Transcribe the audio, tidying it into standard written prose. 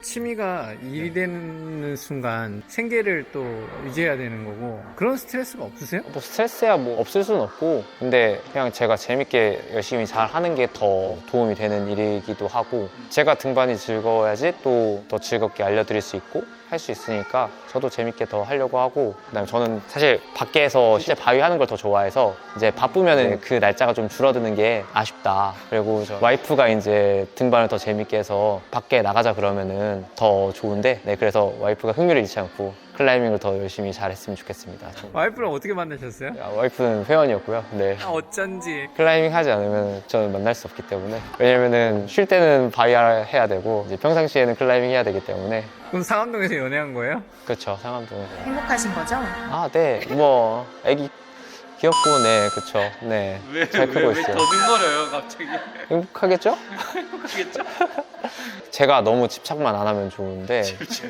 취미가 일이 되는 순간 생계를 또 유지해야 되는 거고 그런 스트레스가 없으세요? 뭐 스트레스야 뭐 없을 수는 없고, 근데 그냥 제가 재밌게 열심히 잘 하는 게 더 도움이 되는 일이기도 하고, 제가 등반이 즐거워야지 또 더 즐겁게 알려드릴 수 있고 할 수 있으니까 저도 재밌게 더 하려고 하고, 그다음에 저는 사실 밖에서 실제 바위 하는 걸 더 좋아해서 이제 바쁘면은 그 날짜가 좀 줄어드는 게 아쉽다. 그리고 저 와이프가 이제 등반을 더 재밌게 해서 밖에 나가자 그러면은 더 좋은데, 네, 그래서 와이프가 흥미를 잃지 않고 클라이밍을 더 열심히 잘했으면 좋겠습니다. 와이프랑 어떻게 만나셨어요? 와이프는 회원이었고요. 네. 어쩐지. 클라이밍 하지 않으면 저는 만날 수 없기 때문에, 왜냐면은 쉴 때는 바위 해야 되고 이제 평상시에는 클라이밍 해야 되기 때문에. 그럼 상암동에서 연애한 거예요? 그렇죠, 상암동에서. 행복하신 거죠? 아, 네, 뭐 애기 귀엽고, 네, 그쵸, 네, 잘 크고 있어요. 더듬거려요 갑자기? 행복하겠죠? 행복하겠죠? 제가 너무 집착만 안 하면 좋은데